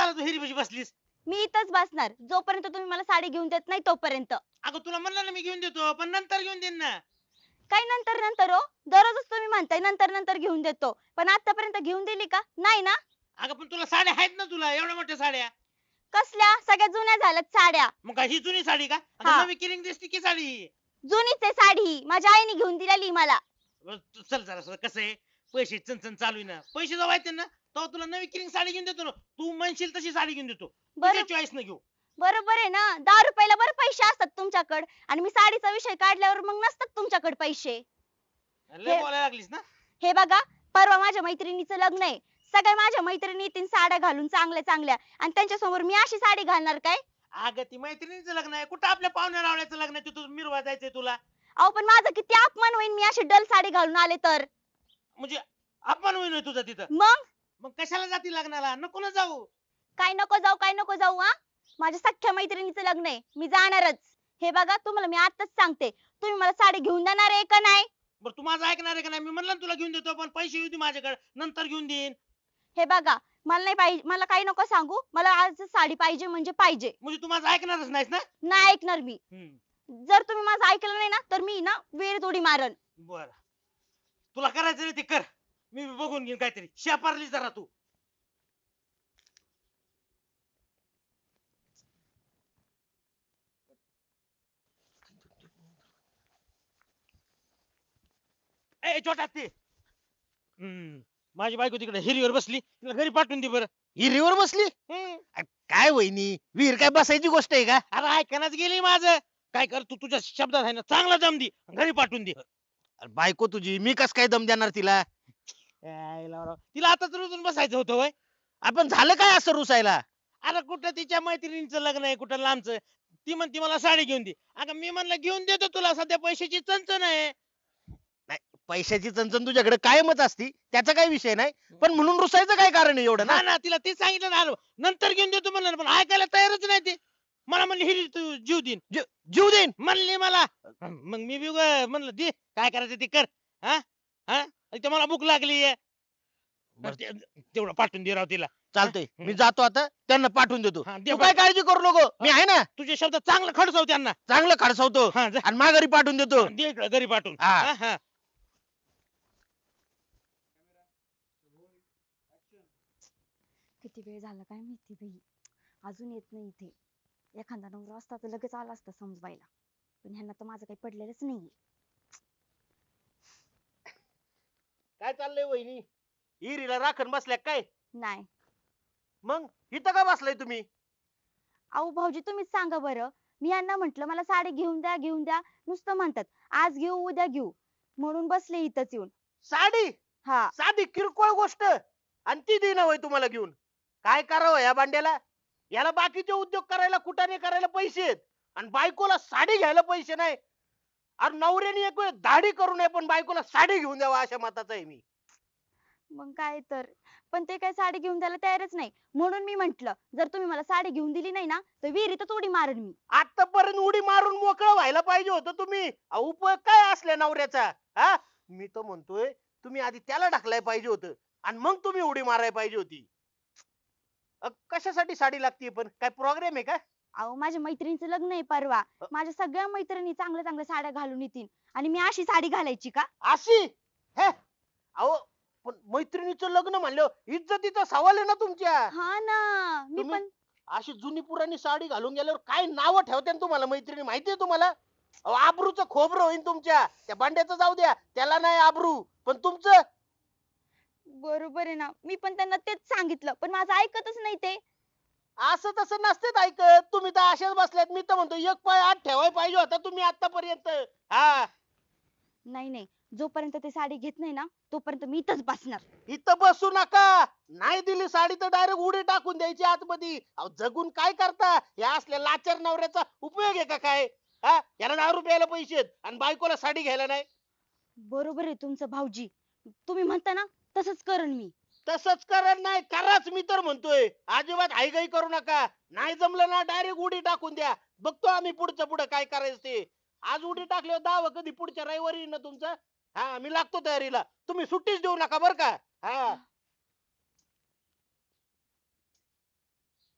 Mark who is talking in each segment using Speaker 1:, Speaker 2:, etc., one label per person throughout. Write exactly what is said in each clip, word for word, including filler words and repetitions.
Speaker 1: झालं तू हिरीपाशी बसलीस?
Speaker 2: मी इथंच बसणार जोपर्यंत तुम्ही मला साडी घेऊन देत नाही तोपर्यंत.
Speaker 1: अगं तुला म्हणलं ना मी घेऊन देतो, पण नंतर घेऊन देईन ना.
Speaker 2: काय नंतर नंतर हो? दररोजच तुम्ही म्हणताय नंतर नंतर घेऊन देतो. पण आतापर्यंत घेऊन दिली का? नाही ना?
Speaker 1: अगं पण तुला साड्या आहेत ना, तुला एवढ्या मोठ्या साड्या.
Speaker 2: कसल्या? सगळ्या जुन्या झाल्यात साड्या.
Speaker 1: मग काय ही जुनी साडी का?
Speaker 2: हा.
Speaker 1: आता नवी किरिंग दिसती की साडी ही.
Speaker 2: जुनीच आहे साडी ही. माझ्या आईने घेऊन दिलेली मला.
Speaker 1: बरं, तू चल जरा कसं आहे, पैसे चणचण चालू आहे ना, पैसे जेव्हा येतील ना तेव्हा तुला नवी किरिंग साडी घेऊन देतो ना. तू म्हणशील तशी साडी घेऊन देतो, तुझ्या
Speaker 2: बरं
Speaker 1: चॉईस न घेऊ.
Speaker 2: बरोबर आहे ना. दहा रुपयाला बरं पैसे असतात तुमच्याकडे आणि मी साडीचा विषय काढल्यावर मग नसतात तुमच्याकडे पैसे.
Speaker 1: लय
Speaker 2: हे
Speaker 1: बोलायला लागलीस ना.
Speaker 2: हे बघा, परवा माझ्या मैत्रिणीचं लग्न आहे. सगळ्या माझ्या मैत्रिणी येतील साड्या घालून चांगल्या चांगल्या आणि त्यांच्या समोर मी अशी साडी घालणार काय?
Speaker 1: अगं ती मैत्रिणीचं लग्न आहे, कुठं आपल्या पाहुण्या रावळ्याचं लग्न आहे, तिथं मिरवा जायचंय तुला.
Speaker 2: अहो पण माझा किती अपमान होईल मी अशी डल साडी घालून आले तर.
Speaker 1: म्हणजे अपमान होईल होय तुझा तिथं.
Speaker 2: मग
Speaker 1: मग कशाला जाती लग्नाला, नको ना जाऊ.
Speaker 2: काय नको जाऊ काय नको जाऊ हा. माझ्या सख्ख्या मैत्रिणीचं लग्न आहे, मी जाणारच. हे बघा तुम्हाला मी आताच सांगते, तुम्ही मला साडी घेऊन देणार आहे का नाही?
Speaker 1: बरं तू माझं ऐकणार आहे का नाही? मी म्हणलं ना तुला घेऊन देतो, पण पैसे येऊ दे माझ्याकडे, नंतर घेऊन देईन.
Speaker 2: हे बघा, मला नाही पाहिजे, मला काही नको सांगू, मला आज साडी पाहिजे म्हणजे पाहिजे.
Speaker 1: म्हणजे तू माझं ऐकणारच नाहीस ना.
Speaker 2: नाही ऐकणार मी.
Speaker 1: हम्म.
Speaker 2: जर तुम्ही माझं ऐकलं नाही ना तर मी ना विहिरीत उडी मारन.
Speaker 1: बर, तुला करायचं नाही ते कर, मी बी बघून घेईन काहीतरी. शेपारली जरा तू. ए छोटा ते हम्म माझी बायको तिकडे हिरीवर बसली, तिला घरी पाठवून दे बरं.
Speaker 3: हिरीवर बसली?
Speaker 1: हम्म.
Speaker 3: अ, काय वहिनी, विहीर काय बसायची गोष्ट आहे का?
Speaker 1: अरे ऐकण्याच गेली माझं. काय कर तू, तुझ्या शब्दात आहे ना, चांगला दम दे, घरी पाठवून दे.
Speaker 3: अरे बायको तुझी, मी कस काय दम देणार तिला?
Speaker 1: यायला राव. तिला आताच रुजून बसायचं होतं वय.
Speaker 3: आपण झालं काय असं रुसायला?
Speaker 1: अरे कुठं तिच्या मैत्रिणीचं लग्न आहे, कुठं लांबचं. ती म्हणते मला साडी घेऊन दे. अगं मी म्हणलं घेऊन देतो तुला, सध्या पैशाची चणचण आहे.
Speaker 3: नाही, पैशाची चणचण तुझ्याकडे कायमच असती, त्याचा काही विषय नाही. पण म्हणून रुसायचं काय कारण आहे एवढं
Speaker 1: ना
Speaker 3: ना?
Speaker 1: ना तिला ते सांगितलं ना, नंतर घेऊन देतो म्हणलं ना, पण ऐकायला तयारच नाही ते. मला म्हणली हिरी तू जीव देईन,
Speaker 3: जी- जीव देईन.
Speaker 1: म्हणली मला. मग मी बी उगा म्हणलं दे, काय करायचं ते कर. हा हा इथे मला भूक लागली आहे.
Speaker 3: बरं.
Speaker 1: तेवढं पाठवून दे राव तिला.
Speaker 3: चालतंय,
Speaker 1: हम्म.
Speaker 3: मी जातो आता, त्यांना पाठवून देतो.
Speaker 1: हा, दे
Speaker 3: तू काय
Speaker 1: पाठवून.
Speaker 3: काळजी करू नको, मी आहे ना.
Speaker 1: तुझे शब्द चांगलं खडसव त्यांना.
Speaker 3: चांगलं खडसवतो
Speaker 1: हा जा.
Speaker 3: आणि माघारी पाठवून देतो.
Speaker 1: दे इकडं घरी पाठवून.
Speaker 3: हा.
Speaker 1: हा, हा.
Speaker 2: किती वेळ झाला काय माहिती बाई, अजून येत नाही इथे. एखादा नवरा असता तर लगेच आला असता समजवायला, पण ह्यांना तर माझं काही पडलेलंच नाहीये.
Speaker 3: काय चाललंय वहिनी, हिरीला राखण बसल्या काय?
Speaker 2: नाही.
Speaker 3: मग इथं का बसलाय तुम्ही?
Speaker 2: अहो भाऊजी तुम्हीच सांगा बरं. मी यांना म्हंटल मला साडी घेऊन द्या घेऊन द्या, नुसतं म्हणतात आज घेऊ उद्या घेऊ, म्हणून बसले इथंच येऊन.
Speaker 3: साडी?
Speaker 2: हा.
Speaker 3: साधी किरकोळ गोष्ट आणि ती देणं होय तुम्हाला घेऊन? काय करावं या बांड्याला? याला बाकीचे उद्योग करायला, कुटाने करायला पैसे आहेत आणि बायकोला साडी घ्यायला पैसे नाही. अरे नवऱ्याने एक वेळ दाढी करू नये पण बायकोला साडी घेऊन द्यावा अशा मताचा आहे मी.
Speaker 2: मग काय तर, पण ते काय साडी घेऊन द्यायला तयारच नाही, म्हणून मी म्हंटल जर तुम्ही मला साडी घेऊन दिली नाही ना तर विहिरीतच उडी मारेन मी.
Speaker 3: आतापर्यंत उडी मारून मोकळं व्हायला पाहिजे होतं तुम्ही. अहो, उपयोग काय असल्या नवऱ्याचा? हा, मी तर म्हणतोय तुम्ही आधी त्याला ढकलाय पाहिजे होतं आणि मग तुम्ही उडी मारायला पाहिजे होती. अ, कशासाठी साडी लागते पण? काय प्रोग्राम आहे का?
Speaker 2: अहो माझ्या मैत्रिणीचं लग्न आहे परवा, माझ्या सगळ्या मैत्रिणी चांगल्या चांगल्या साड्या घालून येतील आणि मी अशी साडी घालायची का?
Speaker 3: अशी? हे अहो, पण मैत्रिणीचं लग्न म्हणल्यावर इज्जतीचा सवाल आहे ना तुमच्या.
Speaker 2: हा ना. मी
Speaker 3: तुम्ही
Speaker 2: पण
Speaker 3: अशी जुनी पुराणी साडी घालून गेल्यावर काय नाव ठेवते तुम्हाला मैत्रिणी माहितीये तुम्हाला? अहो, आबरूचं खोबरं होईन तुमच्या. त्या भांड्याचं जाऊ द्या, त्याला नाही आबरू, पण तुमचं.
Speaker 2: बरोबर आहे ना, मी पण त्यांना तेच सांगितलं पण माझं ऐकतच नाही ते.
Speaker 3: असं तसं नसतेच ऐकत. तुम्ही तर अशाच बसल्यात. मी तर म्हणतो एक पाय आत ठेवायला पाहिजे होता तुम्ही आतापर्यंत. हा,
Speaker 2: नाही नाही, जोपर्यंत ते साडी घेत नाही ना तोपर्यंत मी इथंच बसणार.
Speaker 3: इथं बसू नका. नाही दिली साडी तर डायरेक्ट उडी टाकून द्यायची आतमध्ये. अहो, जगून काय करता? या असल्या लाचार नवऱ्याचा उपयोग आहे का काय? हा, याला दारू प्यायला पैसे आहेत आणि बायकोला साडी घ्यायला नाही.
Speaker 2: बरोबर आहे तुमचं भाऊजी, तुम्ही म्हणता ना तसंच करण मी.
Speaker 3: तसंच करा, नाही कराच. मी तर म्हणतोय अजिबात हायगाई करू नका. नाही जमलं ना डायरेक्ट उडी टाकून द्या. बघतो आम्ही पुढचं पुढं काय करायचं ते. आज उडी टाकल्यावर दावा कधी पुढच्या रविवारी येईन ना तुमचं. हा, मी लागतो तयारीला. तुम्ही सुट्टीच देऊ नका बर का. हा,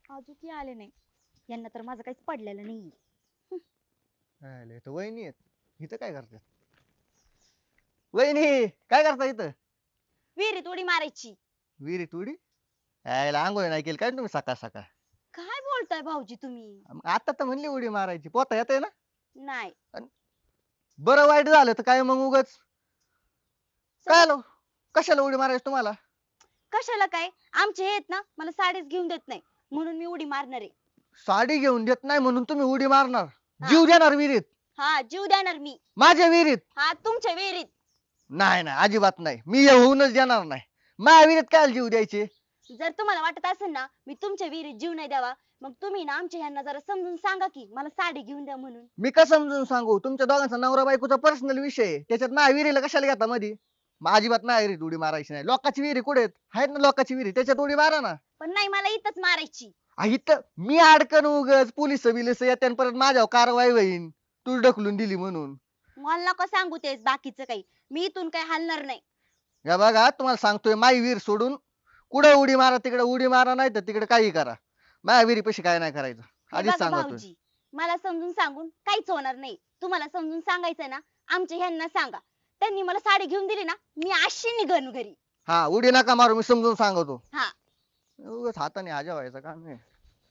Speaker 2: अजून की आले नाही. यांना तर माझं काहीच पडलेलं नाही.
Speaker 4: आले तर वहिनी आहेत इथं काय करतात? वहिनी काय करता इथं?
Speaker 2: विहिरीत उडी मारायची.
Speaker 4: विहिरीत उडी? यायला आंघोळ नाही केली काय तुम्ही सकाळ सकाळ?
Speaker 2: काय बोलताय भाऊजी तुम्ही?
Speaker 4: मग आता तर म्हणली उडी मारायची पोता येते ना?
Speaker 2: नाही.
Speaker 4: बरं वाईट झालं तर काय मग उगाच काय आलो कशाला उडी मारायची तुम्हाला?
Speaker 2: कशाला काय? आमचे हे आहेत ना मला साडीच घेऊन देत नाही म्हणून मी उडी मारणार आहे.
Speaker 4: साडी घेऊन देत नाही म्हणून तुम्ही उडी मारणार?
Speaker 2: हा.
Speaker 4: जीव देणार विहिरीत?
Speaker 2: हा जीव देणार मी.
Speaker 4: माझ्या विहिरीत?
Speaker 2: हा तुमच्या विहिरीत.
Speaker 4: नाही नाही अजिबात नाही मी हे होऊनच देणार नाही. माझ्या विहिरीत काय जीव द्यायचे?
Speaker 2: जर तुम्हाला वाटत असेल ना मी तुमच्या विहिरीत जीव नाही द्यावा मग तुम्ही ना आमच्या ह्यांना जरा समजून सांगा की मला साडी घेऊन द्या म्हणून.
Speaker 4: मी का समजून सांगू? तुमच्या दोघांचा नवरा बायकोचा पर्सनल विषय आहे. त्याच्यात माझ्या विहिरीला कशाला घेता मध्ये? मग अजिबात माझ्या विहिरीत उडी मारायची नाही. लोकांची विहिरी कुठे आहेत? आहेत ना लोकांची विहिरी त्याच्यात उडी मारा ना.
Speaker 2: पण नाही मला इथंच मारायची.
Speaker 4: आ, इथं मी अडकन उगच पोलिस बिलिस येते आणि परत माझ्यावर कारवाई होईन तू ढकलून दिली म्हणून.
Speaker 2: मला नका सांगू तेच बाकीचं काही. मी इथून काही हलणार नाही.
Speaker 4: या बघा तुम्हाला सांगतोय माई विहीर सोडून कुठं उडी मारा तिकडे उडी मारा नाही तर तिकडे काही करा. माझ्या विहिरी पैसे काय नाही करायचं
Speaker 2: हे
Speaker 4: आधीच
Speaker 2: बघा
Speaker 4: सांगतोय.
Speaker 2: भाऊजी मला समजून सांगून काहीच होणार नाही. तुम्हाला समजून सांगायचंय ना आमच्या ह्यांना सांगा. त्यांनी मला साडी घेऊन दिली ना मी अशी निघन घरी.
Speaker 4: हा उडी नका मारू मी समजून सांगतो.
Speaker 2: हा
Speaker 4: उगाच हाताने हाजा व्हायचं काम नाही.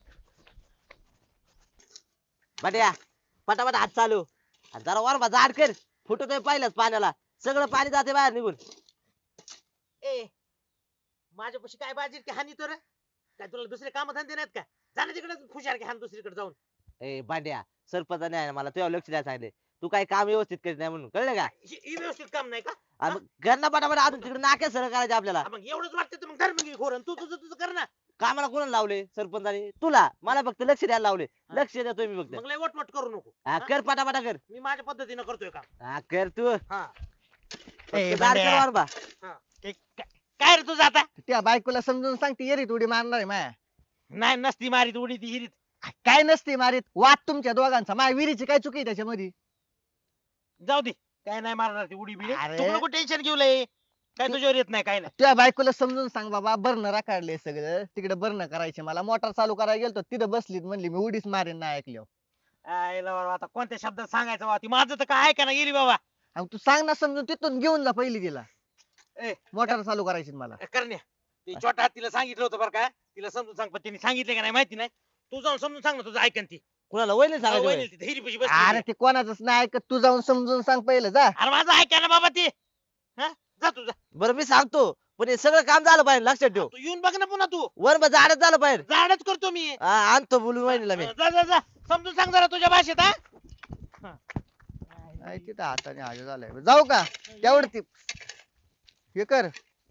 Speaker 5: बट्या पटापट हात चालू आणि जरा वर जाड कर फुटतोय पहिल्याच पाण्याला सगळं पाणी जाते बाहेर निघून.
Speaker 1: ए माझ्यापाशी काय बाजी की हानी तर काय तुला दुसरे काम धंदे नाहीत का? जाणं तिकडे खुशार की हान दुसरीकडे जाऊन.
Speaker 5: ए बांड्या सरपंचाने आहे ना मला तुझ्या लक्ष द्यायला सांगितले तू काही काम व्यवस्थित करीत नाही म्हणून कळलं का?
Speaker 1: हे हे व्यवस्थित काम नाही का?
Speaker 5: आणि मग घरना पटापट अजून तिकडे नाक्या सरळ करायचे आपल्याला.
Speaker 1: हा, मग एवढंच वाटतं तर मग धर्म घे खोरं तू तुझं तुझं कर ना.
Speaker 5: कामाला कोणाला लावले सरपंचाने? तुला. मला फक्त लक्ष द्यायला लावले.
Speaker 1: हा.
Speaker 5: लक्ष देतोय मी फक्त.
Speaker 1: मग लय वटवट करू नको.
Speaker 5: हा,
Speaker 1: हा?
Speaker 5: कर पटापटा कर.
Speaker 1: मी माझ्या पद्धतीनं करतोय काम.
Speaker 5: हा कर तू.
Speaker 1: हा
Speaker 5: फक्त
Speaker 4: ए,
Speaker 5: जाड कर
Speaker 4: बांड्या.
Speaker 5: वर बा.
Speaker 1: ते काय काय रे तुझं आता?
Speaker 4: त्या बायकोला समजून सांगते येरीत उडी मारणार आहे माया.
Speaker 1: नाही नसती मारीत उडी ती हिरीत.
Speaker 4: काय नसते मारीत वाद तुमच्या दोघांचा. माझ्या विहिरीची काय चुकी आहे त्याच्यामध्ये?
Speaker 1: जाऊ दे काय नाही मारणार ती उडी बिडी.
Speaker 4: अरे.
Speaker 1: तू नको टेन्शन घेऊ लय. काय तुझ्यावर येत नाही काय नाही.
Speaker 4: त्या बायकोला समजून सांग बाबा बर्नर काढले सगळं तिकडे बर्न करायचे मला मोटर चालू करायला गेलतो तिथं बसलीत म्हणली मी उडीच मारेन नाही ऐकलं.
Speaker 1: आयला बाबा, आता कोणत्या शब्दात सांगायचं बाबा? ती माझं तर काय ऐका ना गेली बाबा.
Speaker 4: अहो, तू सांग ना समजून तिथून घेऊन जा पहिली तिला.
Speaker 1: ए,
Speaker 4: मोटर चालू करायची मला.
Speaker 1: करण्या ती छोटा तिला सांगितलं होतं बरं का? तिला समजून सांग पण तिने सांगितलं का नाही माहिती नाही. तू जाऊन समजून सांग ना तुझं ऐकन ती.
Speaker 5: कुणाला वहिनी सांगायचं होय?
Speaker 1: वहिनी तिथे हिरीपाशी बसली
Speaker 4: अरे
Speaker 1: होती.
Speaker 4: ते कोणाच नाही ऐकत तू जाऊन समजून सांग पहिलं जा.
Speaker 1: अरे माझं ऐका ना बाबा ती. हा जा तू जा.
Speaker 5: बरं मी सांगतो पण हे सगळं काम झालं पाहिजे लक्षात ठेव.
Speaker 1: तू येऊन बघ ना पुन्हा तू.
Speaker 5: वर बा झाडच झालं पाहिजे.
Speaker 1: झाडच करतो मी.
Speaker 5: हा, आणतो बोलून वहिनीला मी.
Speaker 1: जा जा जा समजून सांग जरा तुझ्या भाषेत. हा
Speaker 4: नाही तिथं हाताने हाजा झालाय जाऊ का तेवढं ती हे कर.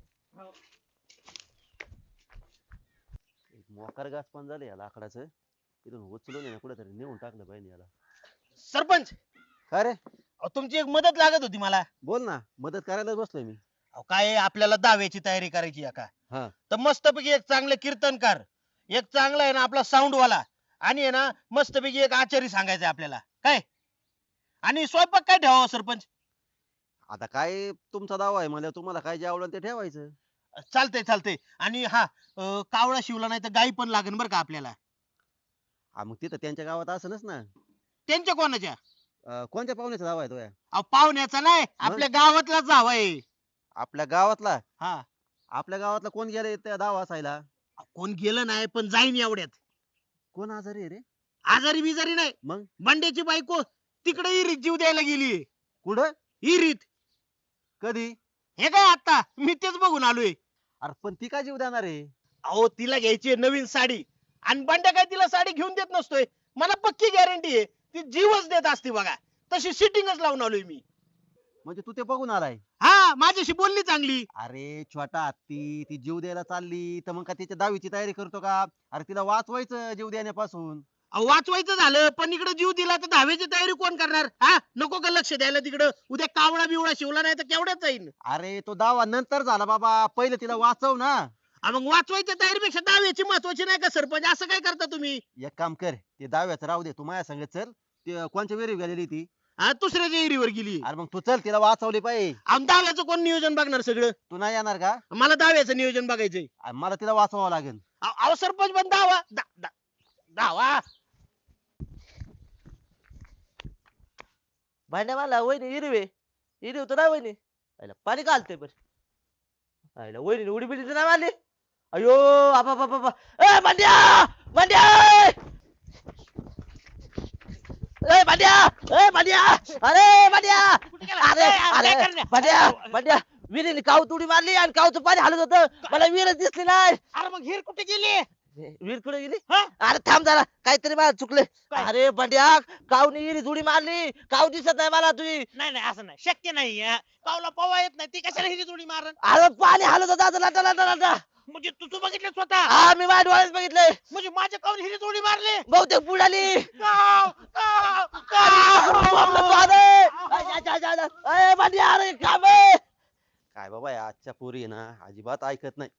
Speaker 5: मोकार घास पण झालं या लाकडाचं इथून उचलून आहे ना कुठेतरी नेऊन टाकलं पाहिजे याला.
Speaker 1: सरपंच
Speaker 5: अरे
Speaker 1: अहो, तुमची एक मदत लागत होती मला.
Speaker 5: बोल ना मदत करायलाच बसलोय मी.
Speaker 1: अहो, काय आहे, आपल्याला दाव्याची तयारी करायची आहे का?
Speaker 5: हा.
Speaker 1: तर मस्तपैकी एक चांगले कीर्तनकार, एक चांगला आहे ना आपला साऊंड वाला आणि आहे ना मस्तपैकी एक आचारी सांगायचं आपल्याला काय. आणि स्वयंपाक काय ठेवावं सरपंच?
Speaker 6: आता काय तुमचा दावा आहे मला तुम्हाला काय जे आवडेल ते ठेवायचं.
Speaker 1: चालतंय चालतंय. आणि हा अं, कावळा शिवला नाही तर गाई पण लागेल बरं का आपल्याला.
Speaker 6: हा मग तिथं त्यांच्या गावात असनच ना.
Speaker 1: त्यांच्या कोणाच्या?
Speaker 6: अं, कोणत्या पाहुण्याचा दावा आहे तो या?
Speaker 1: अहो, पाहुण्याचा नाही आपल्या गावातलाच जावा आहे.
Speaker 6: आपल्या गावातला?
Speaker 1: हा
Speaker 6: आपल्या गावातला कोण गेले त्या दावा असायला?
Speaker 1: अहो, कोण गेलं नाही पण जाईन एवढ्यात.
Speaker 6: कोण आजारी आहे रे?
Speaker 1: आजारी बिजारी नाही.
Speaker 6: मग
Speaker 1: बंड्याची बायको तिकडे इरीत जीव द्यायला गेली.
Speaker 6: कुठं?
Speaker 1: इरीत.
Speaker 6: कधी?
Speaker 1: हे काय आता मी तेच बघून आलोय.
Speaker 6: अरे पण ती काय जीव देणार आहे?
Speaker 1: अहो तिला घ्यायची आहे नवीन साडी आणि बंड्या काय तिला साडी घेऊन देत नसतोय. मला पक्की गॅरंटी आहे ती जीवच देत असते बघा. तशी सिटिंगच लावून आलोय मी.
Speaker 6: म्हणजे तू ते बघून आलाय?
Speaker 1: हा माझ्याशी बोलली चांगली.
Speaker 6: अरे छोटा हत्ती ती जीव द्यायला चालली तर मग का तिच्या दावीची तयारी करतो का? अरे तिला वाचवायचं जीव देण्यापासून.
Speaker 1: अहो, वाचवायचं झालं पण इकडे जीव दिला तर दहावीची तयारी कोण करणार? हा नको का लक्ष द्यायला तिकडं? उद्या कावळा बिवळा शिवला नाही तर केवढ्याच जाईन.
Speaker 6: अरे तो दावा नंतर झाला बाबा पहिले तिला वाचव ना.
Speaker 1: हा, मग वाचवायच्या तयारीपेक्षा दाव्याची महत्वाची नाही का सरपंच? असं काय करता तुम्ही?
Speaker 6: एक काम कर ते दाव्याचं राहू दे तू माझ्या संग चल. ते कोणच्या वेरी गेलेली ती?
Speaker 1: हा दुसऱ्याच्या एरीवर गेली.
Speaker 6: अरे मग तू चल तिला वाचवली पाहिजे.
Speaker 1: आणि दाव्याचं कोण नियोजन बघणार सगळं?
Speaker 6: तू नाही येणार का?
Speaker 1: मला दाव्याचं नियोजन बघायचंय.
Speaker 6: अरे मला तिला वाचवावं लागेल.
Speaker 1: अहो अहो, सरपंच पण दावा दा- दा-
Speaker 3: धावा.
Speaker 5: भांड्या मला वहिनी हिरवे हिरवी होतं ना वहिनी आईला पाणी घालते बर आईला वहिनी उडी बिडी नाही मारली अयो आपा बाबा बाबा ए भांड्या भांड्या ए भांड्या ए भांड्या अरे भांड्या अरे अरे भांड्या भांड्या विहिरीने काव तुडी मारली आणि कावचं पाणी हलत होतं मला विहीरच दिसली नाही
Speaker 3: अरे मग हिर कुठे गेली?
Speaker 5: विहीर कुठे गेली
Speaker 3: हा?
Speaker 5: अरे थांब जरा काहीतरी मला चुकले
Speaker 3: काय?
Speaker 5: अरे भांड्या कावनी विहिरी जुडी मारली काव दिसत नाही मला तुझी
Speaker 3: नाही नाही असं नाही शक्य नाही हा. कावला पवा येत नाही ती कशाला हिरी जोडी मारण?
Speaker 5: अरे पाणी हलत होतं असं लाटा लाटा लाटा
Speaker 3: म्हणजे तू तू बघितलं स्वतः?
Speaker 5: हा मी माझ्या डोळ्यात बघितलंय
Speaker 3: म्हणजे माझ्या कावून हिरी जोडी मारली?
Speaker 5: बहुतेक बुडाली
Speaker 3: काव, काव, काव.
Speaker 5: अरे भांड्या अरे काम आहे.
Speaker 6: काय बाबा या आजच्या पोरी आहे ना अजिबात ऐकत नाही.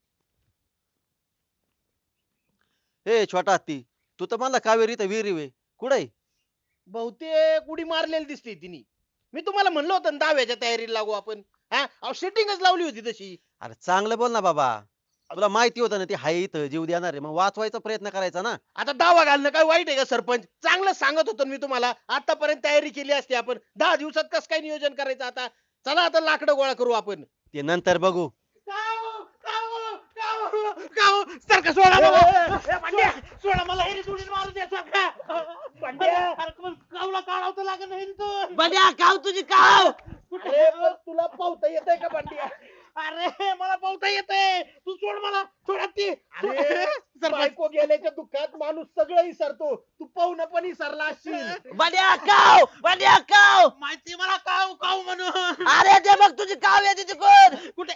Speaker 6: हे छोटा हत्ती तू तर म्हणला कावेरी तर विहिरी वे कुठे
Speaker 3: बहुतेक उडी मारलेली दिसते तिने. मी तुम्हाला म्हणलं होतं ना दहाव्याच्या तयारीला लागू आपण. हा अहो सेटिंगच लावली होती तशी.
Speaker 6: अरे चांगलं बोल ना बाबा तुला माहिती होतं ना ती हाय इथं जीव देणार आहे मग वाचवायचा प्रयत्न करायचा ना.
Speaker 3: आता दावा घालणं काय वाईट आहे का सरपंच? चांगलं सांगत होतो ना मी तुम्हाला. आतापर्यंत तयारी केली असती आपण. दहा दिवसात कसं काय नियोजन करायचं आता? चला आता लाकडं गोळा करू आपण.
Speaker 6: ते नंतर बघू.
Speaker 3: काव, काव, काव, काव. सारखं सोडा मला. ए, भांड्या, सोडा मला हिरी जोडी मारू द्या सारखा. भांड्या, अरे मग कावला काढावं तर लागेल ना हिरीतून.
Speaker 5: भांड्या काव तुझी काव
Speaker 3: अरे पण तुला पावता येतंय का भांड्या? अरे मला पावता येतंय. तू सोड मला. सोड ती. अरे बायको गेल्याच्या दुःखात माणूस सगळं विसरतो. तू पाहुणं पण विसरला असशील.
Speaker 5: भांड्या काव भांड्या काव
Speaker 3: माहिती मला काव काव म्हणून.
Speaker 5: अरे ते बघ तुझी काव येते तिकडून
Speaker 3: कुठे?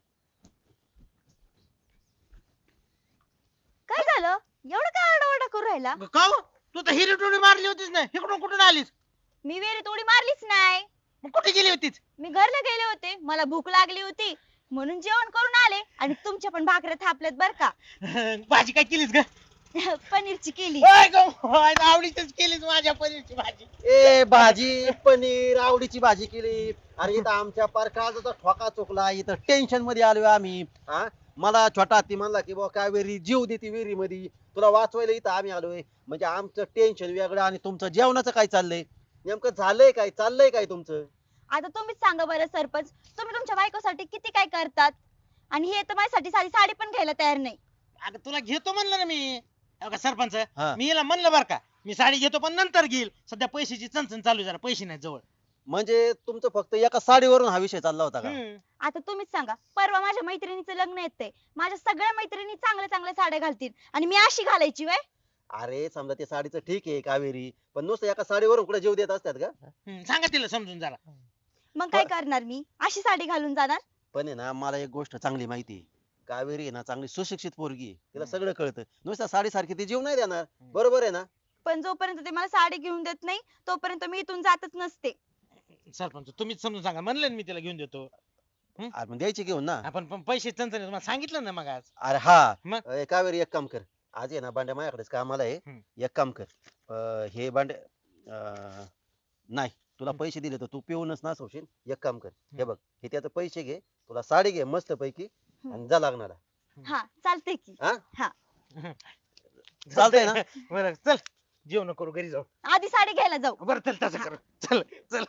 Speaker 2: काय झालं एवढं काय आरडाओरडा करू राहिला?
Speaker 3: काव तू तर हिरी टोळी मारली होतीस ना. इकडून कुठून आलीस?
Speaker 2: मी विहिरीत उडी मारलीच नाही.
Speaker 3: मग कुठे गेली होतीस?
Speaker 2: मी घरला गेले होते मला भूक लागली होती म्हणून जेवण करून आले आणि तुमच्या पण भाकऱ्या थापल्यात बर का.
Speaker 3: भाजी काय केलीस ग?
Speaker 2: पनीरची केली.
Speaker 3: होय ग, होय, आवडीचीच केलीस माझ्या पनीरची भाजी.
Speaker 6: ए भाजी पनीर आवडीची भाजी केली. अरे इथं आमच्या पार काळजाचा ठोका चुकला इथं टेन्शन मध्ये आलोय आम्ही. हा मला छोटा हत्ती म्हणला की बाबा कावेरी जीव देते विहिरी मध्ये तुला वाचवायला इथं आम्ही आलोय. म्हणजे आमचं टेन्शन वेगळं आणि तुमचं जेवणाचं काय चाललंय नेमकं झालंय काय चाललंय काय तुमचं?
Speaker 2: आता तुम्हीच सांगा बरं सरपंच तुम्ही तुमच्या बायकोसाठी किती काय करतात आणि हे तर माझ्यासाठी साधी साडी पण घ्यायला तयार नाही.
Speaker 3: अगं तुला घेतो म्हणलं ना मी. हे बघा सरपंच
Speaker 6: हा.
Speaker 3: मी हिला म्हणलं बर का मी साडी घेतो पण नंतर घेईल. सध्या पैशाची चणचण चालू आहे, जरा पैसे नाही जवळ.
Speaker 6: म्हणजे तुमचं फक्त एका साडीवरून हा विषय चालला होता का?
Speaker 3: हम्म.
Speaker 2: आता तुम्हीच सांगा परवा माझ्या मैत्रिणीचं लग्न येतंय माझ्या सगळ्या मैत्रिणी चांगल्या चांगल्या साड्या घालतील आणि मी अशी घालायची वय.
Speaker 6: अरे समजा ते साडीचं ठीक आहे कावेरी पण नुसतं एका साडीवरून कुठे जीव देत असतात का?
Speaker 3: हम्म, सांगा तिला समजून जरा.
Speaker 2: मग काय करणार मी अशी साडी घालून जाणार?
Speaker 6: पण आहे ना मला एक गोष्ट चांगली माहिती आहे. कावेरी आहे ना चांगली सुशिक्षित पोरगी आहे तिला सगळं कळतं नुसतं साडी सारखी ती जीव नाही देणार. बरोबर आहे ना?
Speaker 2: पण जोपर्यंत ते मला साडी घेऊन देत नाही तोपर्यंत मी इथून जातच नसते.
Speaker 3: सरपंच तुम्हीच समजून सांगा. म्हणलं ना मी तिला घेऊन देतो.
Speaker 6: अरे मग द्यायची घेऊन ना.
Speaker 3: आपण पण पैसे चणचण आहे, तुम्हाला सांगितलं ना मग आज.
Speaker 6: अरे हा
Speaker 3: मग?
Speaker 6: ए, कावेरी एक काम कर आज आहे ना भांड्या माझ्याकडेच कामाला आहे.
Speaker 3: हम्म.
Speaker 6: एक काम कर अं, हे भांडे अं, नाही तुला पैसे दिले तर तू पिऊनच नासवशील. एक काम कर हे बघ हे त्याचे पैसे घे तुला साडी घे मस्त पैकी आणि जा लागणार
Speaker 2: हा चालतंय की.
Speaker 6: हा
Speaker 2: हा
Speaker 6: चालतंय ना?
Speaker 3: बरं चल जेवण करू घरी जाऊ.
Speaker 2: आधी साडी घ्यायला जाऊ.
Speaker 3: बरं चल तसं करू. चल चल.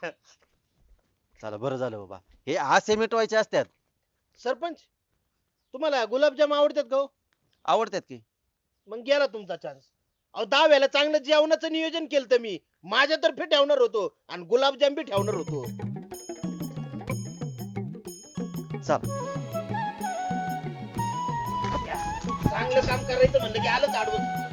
Speaker 6: चला बरं झालं बाबा हे असे मिटवायचे असतात.
Speaker 3: सरपंच तुम्हाला गुलाबजाम आवडतात का हो?
Speaker 6: आवडतात की
Speaker 3: मग गेला तुमचा चान्स. अहो दहाव्याला चांगलं जेवणाचं नियोजन केलं मी. माझ्यातर्फे ठेवणार होतो आणि गुलाबजाम बी ठेवणार होतो.
Speaker 6: चल
Speaker 3: चांगलं काम करायचं म्हणलं की आलंच आडवं.